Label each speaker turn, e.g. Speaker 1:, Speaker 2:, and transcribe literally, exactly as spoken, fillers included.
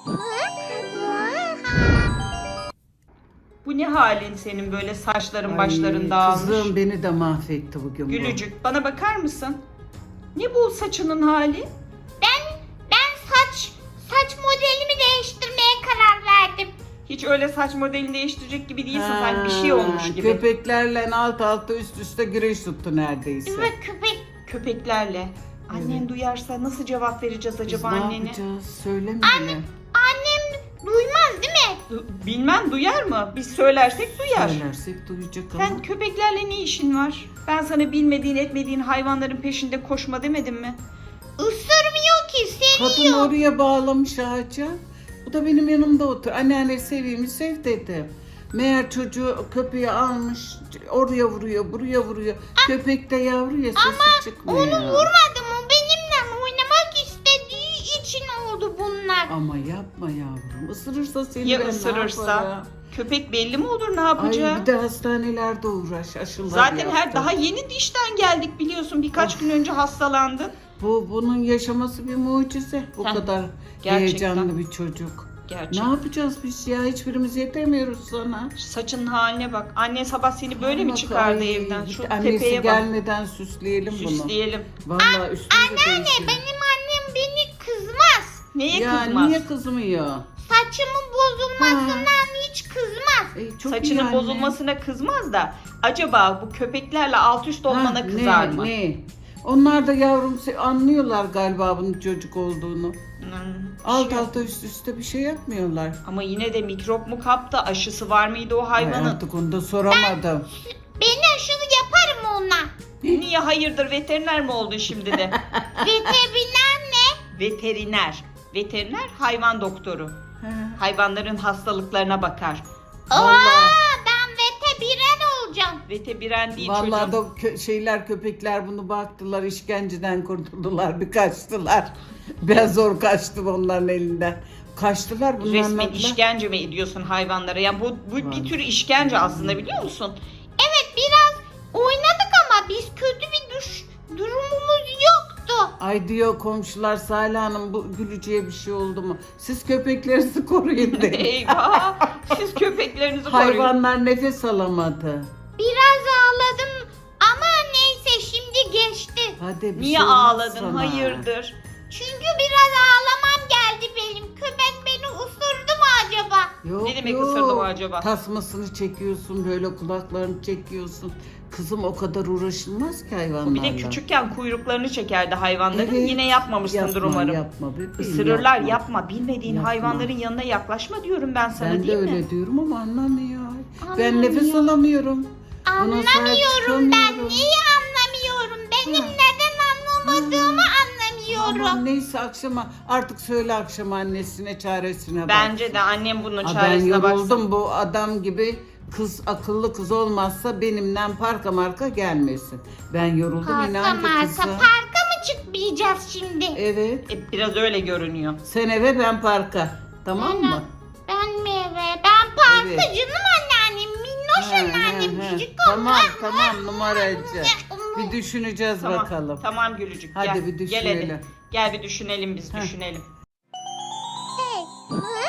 Speaker 1: Bu ne halin senin, böyle saçların
Speaker 2: Ay,
Speaker 1: başların dağılmış.
Speaker 2: Kızım beni de mahvetti bugün bu.
Speaker 1: Gülücük, bana bakar mısın? Ne bu saçının hali?
Speaker 3: Ben ben saç saç modelimi değiştirmeye karar verdim.
Speaker 1: Hiç öyle saç modelini değiştirecek gibi değilsin,
Speaker 2: Ha,
Speaker 1: sen bir şey olmuş gibi.
Speaker 2: Köpeklerle alt alta üst üste güreş tuttu neredeyse.
Speaker 3: Evet köpek.
Speaker 1: Köpeklerle. Annen
Speaker 2: Evet.
Speaker 1: duyarsa nasıl cevap vereceğiz
Speaker 2: Biz
Speaker 1: acaba
Speaker 2: ne
Speaker 1: annene?
Speaker 2: yapacağız? Söyleme bile.
Speaker 3: Annem duymaz değil mi?
Speaker 1: Du- Bilmem, duyar mı? Biz söylersek duyar.
Speaker 2: Söylersek duyacak ama.
Speaker 1: Sen köpeklerle ne işin var? Ben sana bilmediğin etmediğin hayvanların peşinde koşma demedim mi?
Speaker 3: Isırmıyor ki
Speaker 2: Kadın
Speaker 3: seviyor.
Speaker 2: oraya bağlamış ağaca. Bu da benim yanımda otur. Anneanne seveyim mi sev dedim. Meğer çocuğu köpeği almış oraya vuruyor buraya vuruyor. Köpek de yavru ya sesi çıkmıyor.
Speaker 3: Onu vurmadım, o benimle oynamak istediği için oldu bunlar.
Speaker 2: Ama yapma yavrum. Isırırsa seni
Speaker 1: Ya
Speaker 2: ben ne
Speaker 1: ısırırsa?
Speaker 2: yaparım?
Speaker 1: Köpek belli mi olur ne
Speaker 2: Ay
Speaker 1: yapacağı?
Speaker 2: bir de hastanelerde uğraş aşılar
Speaker 1: Zaten her
Speaker 2: yaptı.
Speaker 1: daha yeni dişten geldik biliyorsun. Birkaç gün önce hastalandın.
Speaker 2: Bu bunun yaşaması bir mucize. Bu
Speaker 1: Heh,
Speaker 2: kadar
Speaker 1: gerçekten.
Speaker 2: heyecanlı bir çocuk.
Speaker 1: Gerçekten.
Speaker 2: Ne yapacağız biz ya? Hiçbirimiz yetemiyoruz sana.
Speaker 1: Saçın haline bak. Annen sabah seni böyle mi
Speaker 2: Bak,
Speaker 1: çıkardı
Speaker 2: ay,
Speaker 1: evden? Şu
Speaker 2: annesi
Speaker 1: tepeye bak.
Speaker 2: gelmeden süsleyelim bunu.
Speaker 1: Süsleyelim.
Speaker 2: Vallahi üstünde
Speaker 3: Anneanne benim annem beni kızmaz.
Speaker 1: Neye
Speaker 2: Ya
Speaker 1: kızmaz?
Speaker 2: niye kızmıyor?
Speaker 3: Saçımın bozulmasından hiç kızmaz.
Speaker 2: Ey, çok iyi
Speaker 1: Saçının
Speaker 2: anne.
Speaker 1: bozulmasına kızmaz da acaba bu köpeklerle alt üst olmana
Speaker 2: Ha,
Speaker 1: kızar
Speaker 2: ne,
Speaker 1: mı?
Speaker 2: Ne? Onlar da yavrum se- anlıyorlar galiba bunun çocuk olduğunu.
Speaker 1: Hmm,
Speaker 2: Alt
Speaker 1: şey-
Speaker 2: alta üst üste bir şey yapmıyorlar.
Speaker 1: Ama yine de mikrop mu kaptı? Aşısı var mıydı o
Speaker 2: Ay,
Speaker 1: hayvanın?
Speaker 2: artık onu da soramadım.
Speaker 3: Ben aşılı yaparım ona.
Speaker 1: Niye hayırdır, veteriner mi oldun şimdi de?
Speaker 3: Veteriner ne?
Speaker 1: Veteriner. Veteriner hayvan doktoru.
Speaker 2: Ha.
Speaker 1: Hayvanların hastalıklarına bakar.
Speaker 3: Aa,
Speaker 2: Vallahi,
Speaker 3: ben veteriner olacağım.
Speaker 1: Veteribiren değil
Speaker 2: vallahi
Speaker 1: çocuğum.
Speaker 2: da kö- şeyler köpekler bunu baktılar işkenceden kurtuldular bir kaçtılar. Ben zor kaçtım onların elinden. Kaçtılar bunlar.
Speaker 1: Resmen işkence mi ediyorsun hayvanlara? Ya bu, bu bir
Speaker 2: Vallahi.
Speaker 1: tür işkence aslında, biliyor musun?
Speaker 3: Evet biraz oynadık ama biz kötü bir düş durumumuz yoktu.
Speaker 2: Ay diyor komşular Salih Hanım bu gülücüye bir şey oldu mu? Siz köpeklerinizi koruyun deyin.
Speaker 1: Eyvah! Siz köpeklerinizi koruyun.
Speaker 2: Hayvanlar nefes alamadı.
Speaker 3: Biraz ağladım ama neyse şimdi geçti.
Speaker 2: Hadi bir
Speaker 1: Niye
Speaker 2: şey olmaz
Speaker 1: ağladın?
Speaker 2: sana.
Speaker 1: Hayırdır?
Speaker 3: Çünkü biraz ağlamam geldi benim. Köpek beni ısırdı mı acaba?
Speaker 2: Yok,
Speaker 1: Ne demek
Speaker 2: yok.
Speaker 1: ısırdı mı acaba?
Speaker 2: Tasmasını çekiyorsun böyle kulaklarını çekiyorsun. Kızım o kadar uğraşılmaz ki hayvanlarla.
Speaker 1: Bir de küçükken kuyruklarını çekerdi hayvanların.
Speaker 2: Evet.
Speaker 1: Yine yapmamışsındır
Speaker 2: Yapma,
Speaker 1: umarım.
Speaker 2: Yapma bebeğim,
Speaker 1: Isırırlar, yapma.
Speaker 2: yapma.
Speaker 1: Bilmediğin
Speaker 2: Yapma.
Speaker 1: hayvanların yanına yaklaşma diyorum ben sana,
Speaker 2: Ben de
Speaker 1: değil
Speaker 2: öyle
Speaker 1: mi?
Speaker 2: diyorum ama anlamıyor. Ben
Speaker 3: Anlamıyor.
Speaker 2: nefes alamıyorum. Buna sahip
Speaker 3: Anlamıyorum ben.
Speaker 2: çıkamıyorum.
Speaker 3: Niye anlamıyorum? Benim
Speaker 2: Ha.
Speaker 3: neden anlamadığımı anlamıyorum.
Speaker 2: Aman neyse akşama artık söyle akşam annesine çaresine bak.
Speaker 1: Bence de annem bunun
Speaker 2: Aa, ben
Speaker 1: çaresine baksın.
Speaker 2: yoruldum bu adam gibi kız akıllı kız olmazsa benimle parka marka gelmesin. Ben yoruldum
Speaker 3: Parka
Speaker 2: inan ki
Speaker 3: marka
Speaker 2: kızım.
Speaker 3: parka mı çıkmayacağız şimdi?
Speaker 2: Evet.
Speaker 1: E, biraz öyle görünüyor.
Speaker 2: Sen eve ben parka. Tamam mı?
Speaker 3: Ben mi eve? Ben parka
Speaker 2: Evet.
Speaker 3: canım anneannem. Minnoş
Speaker 2: He,
Speaker 3: anneannem.
Speaker 2: he, he.
Speaker 3: Küçük
Speaker 2: Tamam
Speaker 3: olan.
Speaker 2: tamam numaracı.
Speaker 3: Bir
Speaker 2: Bir düşüneceğiz
Speaker 1: Tamam,
Speaker 2: bakalım.
Speaker 1: tamam Gülücük.
Speaker 2: Hadi
Speaker 1: gel,
Speaker 2: bir
Speaker 1: Gel hadi.
Speaker 2: düşünelim.
Speaker 1: Gel bir düşünelim biz,
Speaker 2: Heh.
Speaker 1: düşünelim.
Speaker 3: Hey.